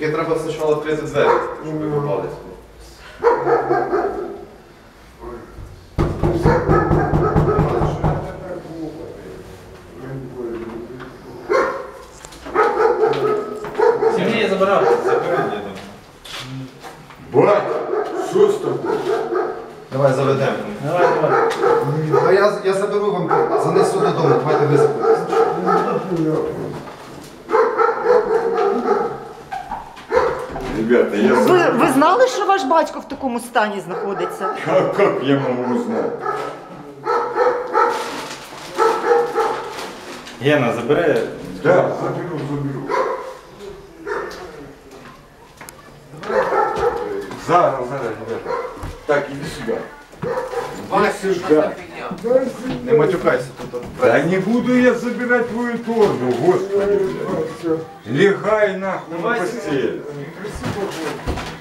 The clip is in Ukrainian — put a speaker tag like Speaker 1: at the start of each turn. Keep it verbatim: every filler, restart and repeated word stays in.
Speaker 1: Тільки треба спочатку відкрити двері, щоб ви попали сюди.
Speaker 2: Сергій забирав.
Speaker 1: Забери діду.
Speaker 3: Бать, що з тобою?
Speaker 1: Давай заведемо.
Speaker 2: Давай, давай.
Speaker 1: А я, я заберу вам, занесу додому, давайте ви забудете.
Speaker 3: Ребята, я...
Speaker 4: Ви, ви знали, що ваш батько в такому стані знаходиться?
Speaker 3: Как, как я могу узнать?
Speaker 2: Гена, забери.
Speaker 3: Да, заберу, заберу. Зараз, зараз, ребята. Так, иди сюда. Иди сюда.
Speaker 1: Не матюкайся тут.
Speaker 3: Да не буду я забирать твою торбу, господи, блядь. Легай нахуй на постель.